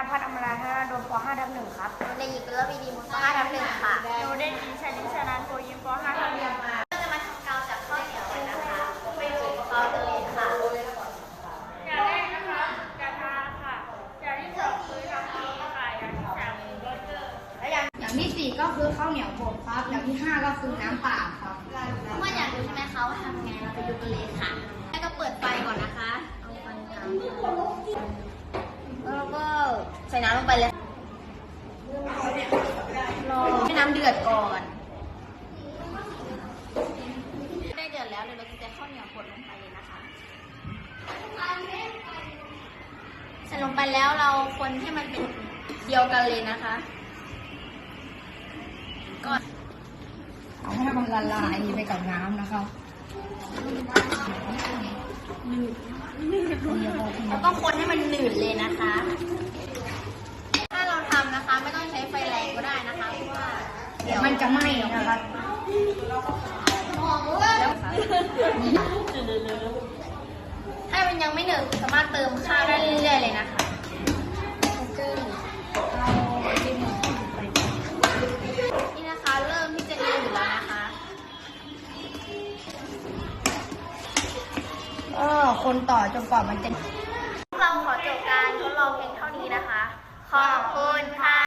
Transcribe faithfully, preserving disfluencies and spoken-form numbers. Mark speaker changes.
Speaker 1: พัฒน์อมราธนาโดมป .ห้า ทับหนึ่งครับ
Speaker 2: ในหญิงเป็นรบีดีมป .ห้า ทับหนึ่งค่ะ
Speaker 1: หนูเด็กหญิงชลิชนันท์โพยิมป .ห้า ทับหนึ่ง
Speaker 2: ก็จะมาทำกาวจากข้าวเหนียวกันนะคะไปดูกาวตัวเองค่ะ
Speaker 1: อย่างแรกนะคะกระทะค่ะอย่างที่สองคือทำทีค่ะอย่างที่สามคือเบอร์เกอร์และอย่าง
Speaker 3: อย่างที่สี่ก็คือข้าวเหนียวบดครับ อย่างที่ห้าก็คือน้ำเปล่าครับ
Speaker 2: เมื่ออยากรู้ใช่ไหมคะว่าทำไงเราไปดูกันเลยค่ะแล้วก็เปิดไฟก่อนนะคะเอาไฟกลางแล้วก็ใส่น้ำลงไปเลยรอให้น้ำเดือดก่อนได้เดือดแล้วเดี๋ยวเราจะใส่ข้าวเหนียวบดลงไปเลยนะคะใส่ลงไปแล้วเราคนให้มันเป็นเดียวกันเลยนะคะก่อน
Speaker 3: เอาให้มันละลายไปกับน้ำนะครับ
Speaker 2: เราต้องคนให้มันหนืดเลยนะคะ ถ้าเราทำนะคะไม่ต้องใช้ไฟแรงก็ได้นะคะเพราะว่าเดี๋ยว
Speaker 3: มันจะไหม้นะครับ
Speaker 2: ถ้ามันยังไม่หนืดสามารถเติมข้าวได้เรื่อยๆเลยนะคะนี่นะคะเริ่มที่จะหนืดแล้วนะคะ
Speaker 3: ก็คนต่อจนกว่ามันจะ
Speaker 2: เราขอจบการทดลองเพียงเท่านี้นะคะ ขอบคุณค่ะ